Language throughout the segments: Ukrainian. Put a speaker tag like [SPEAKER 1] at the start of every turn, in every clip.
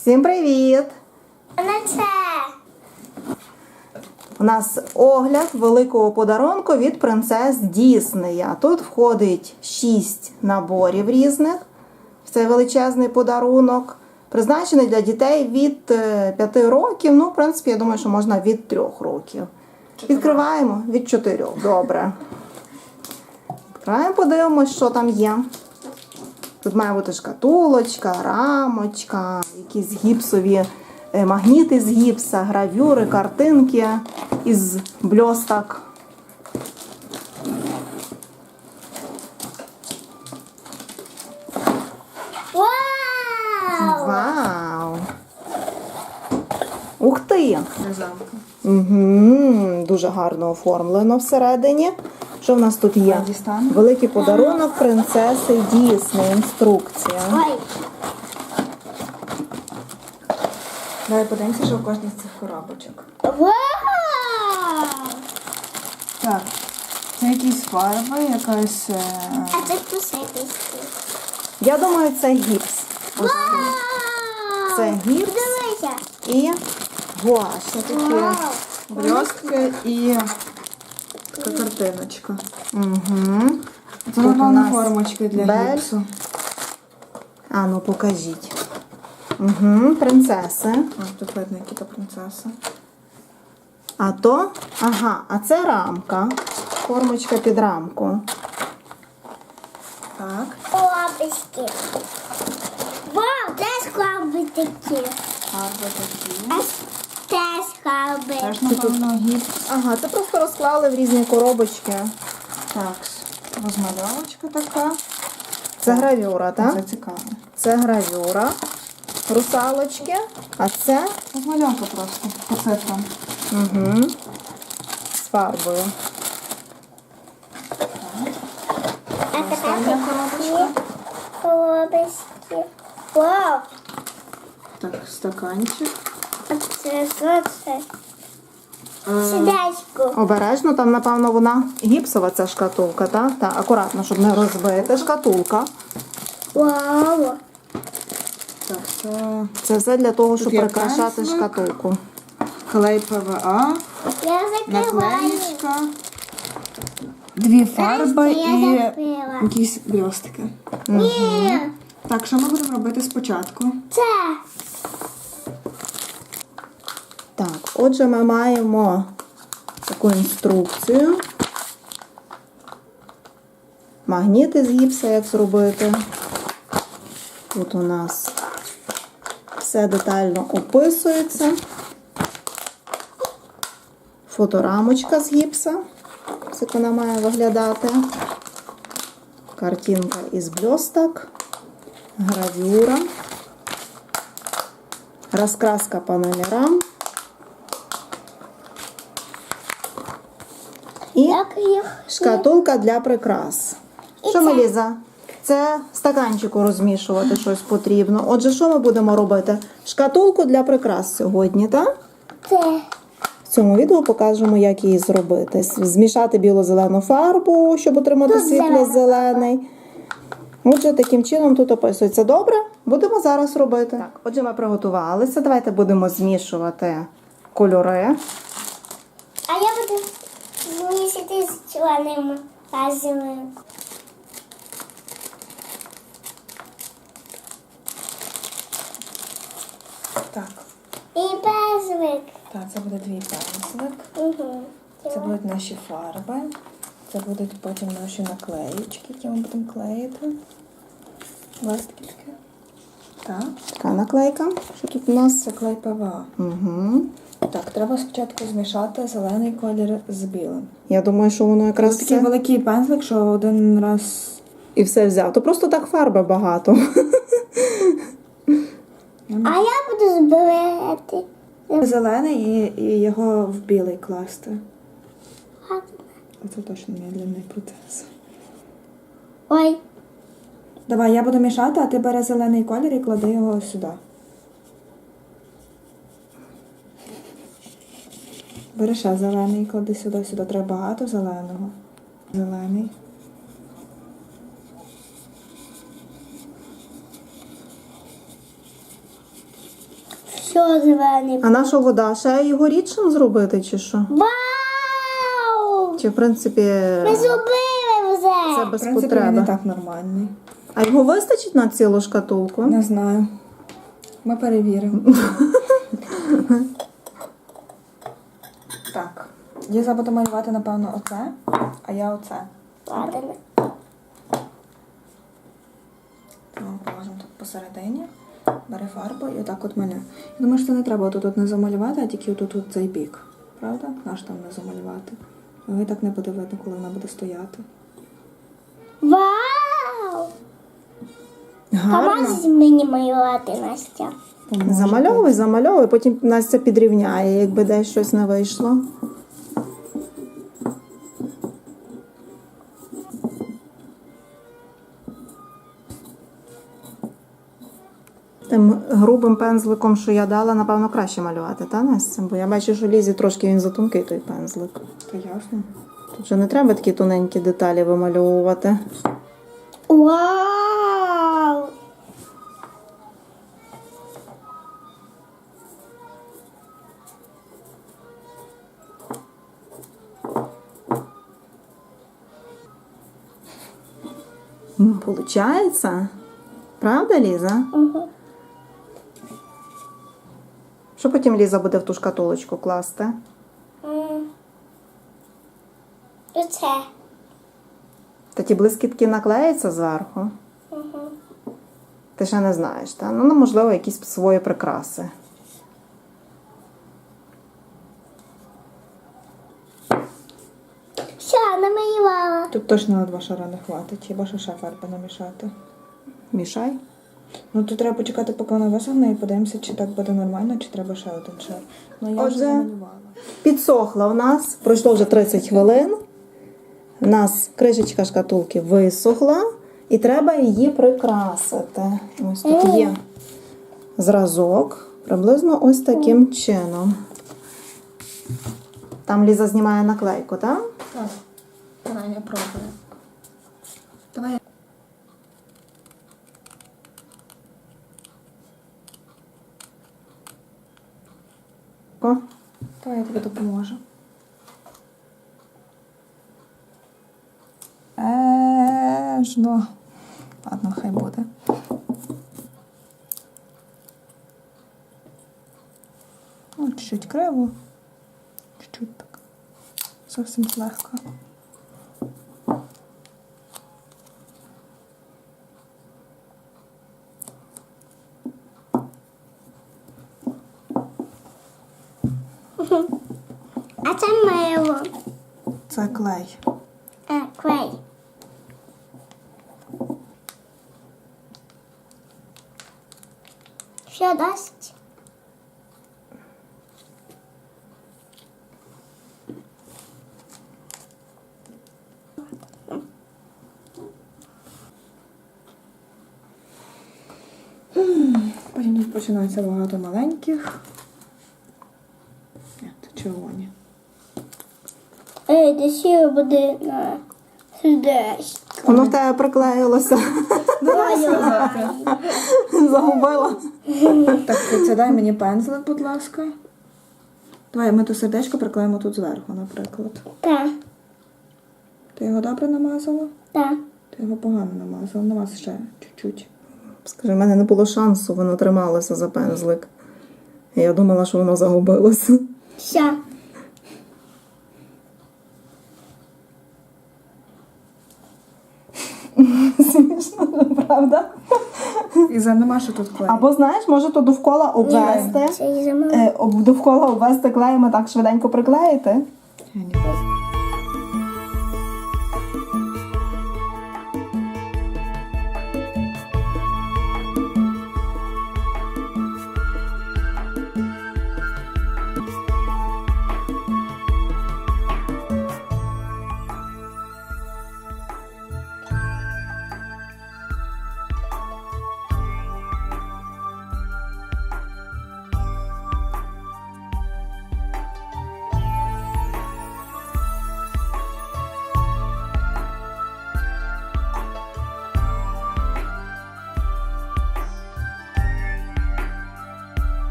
[SPEAKER 1] Всім привіт! У нас огляд великого подарунку від принцес Діснея. Тут входить 6 наборів різних. Це величезний подарунок. Призначений для дітей від 5 років. Ну, в принципі, я думаю, що можна від 3 років. Відкриваємо від 4. Добре. Відкриваємо, подивимось, що там є. Тут має бути шкатулочка, рамочка, якісь гіпсові магніти з гіпса, гравюри, картинки із бльосток. Вау! Ух ти! Угу, дуже гарно оформлено всередині. Що в нас тут є? Великий подарунок принцеси Дісней. Інструкція.
[SPEAKER 2] Давай подивимося, що в кожній з цих коробочок. Так, це якісь фарби, якась...
[SPEAKER 3] А це посипочки.
[SPEAKER 1] Я думаю, це гіпс. Це гіпс
[SPEAKER 3] Дивися.
[SPEAKER 1] і гуаш.
[SPEAKER 2] Це такі блістки і така картиночка.
[SPEAKER 1] Угу.
[SPEAKER 2] Це, напевно, формочки для гіпсу.
[SPEAKER 1] А, ну покажіть. Угу, принцеси.
[SPEAKER 2] Ось тут видно, які то принцеси.
[SPEAKER 1] А то, ага, а це рамка. Формочка під рамку.
[SPEAKER 2] Так.
[SPEAKER 3] Коробочки. Вау, теж коробки такі.
[SPEAKER 2] Фарби такі.
[SPEAKER 3] Теж коробки.
[SPEAKER 2] Теж, напевно, гіпс.
[SPEAKER 1] Ага, це просто розклали в різні коробочки.
[SPEAKER 2] Так, розмальовочка така.
[SPEAKER 1] Це гравюра, так?
[SPEAKER 2] Це цікаво.
[SPEAKER 1] Це гравюра. Русалочки. А це
[SPEAKER 2] Розмальовка просто по цифрам.
[SPEAKER 1] угу, з фарбою.
[SPEAKER 3] А тепер
[SPEAKER 2] Остання коробочка.
[SPEAKER 3] коробочки. Вау.
[SPEAKER 2] Так, стаканчик.
[SPEAKER 3] А це що це? Сідачку.
[SPEAKER 1] Обережно, там, напевно, вона гіпсова ця шкатулка, так? Так, акуратно, щоб не розбити. Шкатулка.
[SPEAKER 3] Вау.
[SPEAKER 2] Так, це
[SPEAKER 1] Це все для того, щоб
[SPEAKER 2] є
[SPEAKER 1] прикрашати
[SPEAKER 2] пензлик.
[SPEAKER 1] шкатулку.
[SPEAKER 2] клей ПВА,
[SPEAKER 3] Я закриваю.
[SPEAKER 2] наклеїчка, 2 фарби
[SPEAKER 3] я
[SPEAKER 2] і
[SPEAKER 3] закрила.
[SPEAKER 2] якісь блістики.
[SPEAKER 3] Ні.
[SPEAKER 2] Так, що ми будемо робити спочатку?
[SPEAKER 3] Це.
[SPEAKER 1] Так, отже, ми маємо таку інструкцію. Магніти з гіпса, як зробити. Тут у нас все детально описується. Фоторамочка з гіпса, як вона має виглядати. Картинка із блісток. Гравюра. Розкраска панелі рам. І
[SPEAKER 3] Як їх?
[SPEAKER 1] шкатулка для прикрас. Що, Меліза? Це в стаканчику розмішувати щось потрібно. Отже, що ми будемо робити? Шкатулку для прикрас сьогодні, так?
[SPEAKER 3] Це.
[SPEAKER 1] В цьому відео покажемо, як її зробити. Змішати біло-зелену фарбу, щоб отримати
[SPEAKER 3] Тут
[SPEAKER 1] світло-зелений. Отже, таким чином тут описується. Добре? Будемо зараз робити. Так, отже, ми приготувалися. Давайте будемо змішувати кольори.
[SPEAKER 3] А я буду місяти з чорним разом.
[SPEAKER 2] Так,
[SPEAKER 3] І безвик.
[SPEAKER 2] так, це буде 2 пензлик.
[SPEAKER 3] Угу.
[SPEAKER 2] Це будуть наші фарби. Це будуть потім наші наклеїчки, які ми будемо клеїти. Ластики такі. Так,
[SPEAKER 1] Така наклейка. Що тут у нас?
[SPEAKER 2] це клей ПВА.
[SPEAKER 1] Угу.
[SPEAKER 2] Так, треба спочатку змішати зелений колір з білим.
[SPEAKER 1] Я думаю, що воно якраз
[SPEAKER 2] Ось такий
[SPEAKER 1] все...
[SPEAKER 2] великий пензлик, що один раз...
[SPEAKER 1] і все взято. Просто так фарби багато.
[SPEAKER 3] А я буду збирати.
[SPEAKER 2] Зелений і його в білий класти.
[SPEAKER 3] Гарно.
[SPEAKER 2] Оце точно медленний процес.
[SPEAKER 3] Ой.
[SPEAKER 2] Давай, я буду мішати, а ти бери зелений колір і клади його сюди. Бери ще зелений, клади сюди, сюди. Треба багато зеленого. Зелений.
[SPEAKER 3] Що зелений?
[SPEAKER 1] А наша вода ще його рідшим зробити, чи що?
[SPEAKER 3] Вау!
[SPEAKER 1] Чи в принципі
[SPEAKER 3] Ми зробили вже!
[SPEAKER 1] це
[SPEAKER 2] В
[SPEAKER 1] без
[SPEAKER 2] принципі, він і
[SPEAKER 1] потреби?
[SPEAKER 2] так нормальний.
[SPEAKER 1] А його вистачить на цілу шкатулку?
[SPEAKER 2] Не знаю. Ми перевіримо. Так. Ліза буде малювати, напевно, оце, а я оце.
[SPEAKER 3] Ладно.
[SPEAKER 2] Ми положимо тут посередині. Бери фарбу і отак от малює. Я думаю, що це не треба тут не замалювати, а тільки отут от цей бік. Правда? Наш там не замалювати. Його і так не буде видно, коли вона буде стояти.
[SPEAKER 3] Вау!
[SPEAKER 1] Гарно.
[SPEAKER 3] Поможеш мені малювати, Настя?
[SPEAKER 1] Замальовуй, замальовуй, потім Настя підрівняє, якби десь щось не вийшло. Тим грубим пензликом, що я дала, напевно, краще малювати, та, Настя? Бо я бачу, що Лізі трошки він затонкий, той пензлик.
[SPEAKER 2] Та ясно.
[SPEAKER 1] Тут вже не треба такі тоненькі деталі вимальовувати.
[SPEAKER 3] Вау!
[SPEAKER 1] Получається? Правда, Ліза?
[SPEAKER 3] Угу.
[SPEAKER 1] Що потім Ліза буде в ту шкатулочку класти?
[SPEAKER 3] Оце.
[SPEAKER 1] Та ті блискітки наклеяться зверху?
[SPEAKER 3] Угу.
[SPEAKER 1] Ти ще не знаєш, та? Ну, можливо, якісь свої прикраси.
[SPEAKER 3] Все, намалювала.
[SPEAKER 2] Тут точно на 2 шара не хватить, хіба що ще фарби намішати.
[SPEAKER 1] Мішай.
[SPEAKER 2] Ну тут треба почекати, поки вона висохне, і подивимося, чи так буде нормально, чи треба ще один шар. Ну я
[SPEAKER 1] Отже,
[SPEAKER 2] вже замалювала.
[SPEAKER 1] Підсохла у нас, пройшло вже 30 хвилин. У нас кришечка шкатулки висохла і треба її прикрасити. Ось тут є зразок, приблизно ось таким чином. Там Ліза знімає наклейку, так?
[SPEAKER 2] Так, давай я пробую. Давай.
[SPEAKER 1] О,
[SPEAKER 2] Давай я тобі допоможу. Ежно. Ладно, хай буде. О, чуть-чуть криво. Чуть-чуть так. Зовсім легко.
[SPEAKER 3] А це мило.
[SPEAKER 2] Це клей.
[SPEAKER 3] Клей. Що дасть?
[SPEAKER 2] Потім тут починається багато маленьких. Ні, це червоні.
[SPEAKER 3] Ей, де ще буде на сердечко.
[SPEAKER 1] воно в тебе приклеїлося. Загубила.
[SPEAKER 2] Так, це дай мені пензлик, будь ласка. Давай ми то сердечко приклеїмо тут зверху, наприклад.
[SPEAKER 3] Так,
[SPEAKER 2] Ти його добре намазала?
[SPEAKER 3] так.
[SPEAKER 2] Ти його погано намазала. Намаз ще чуть-чуть.
[SPEAKER 1] Скажи, в мене не було шансу, воно трималося за пензлик. І я думала, що воно загубилося.
[SPEAKER 3] Все.
[SPEAKER 1] Смішно, правда?
[SPEAKER 2] І нема, що тут клей.
[SPEAKER 1] Або, знаєш, може то довкола обвести.
[SPEAKER 3] Це і замовила.
[SPEAKER 1] Довкола обвести клеєм і так швиденько приклеїти.
[SPEAKER 2] Я не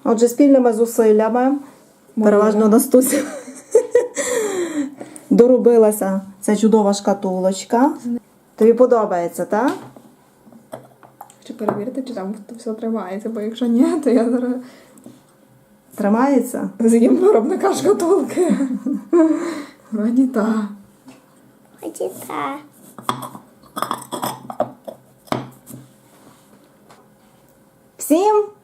[SPEAKER 1] Отже, спільними зусиллями, переважно Настуся, доробилася ця чудова шкатулочка. Тобі подобається, так?
[SPEAKER 2] Хочу перевірити, чи там все тримається, бо якщо ні, то я зараз
[SPEAKER 1] Тримається?
[SPEAKER 2] з'їм виробника шкатулки. Вроді так.
[SPEAKER 3] Ході так.
[SPEAKER 1] Всім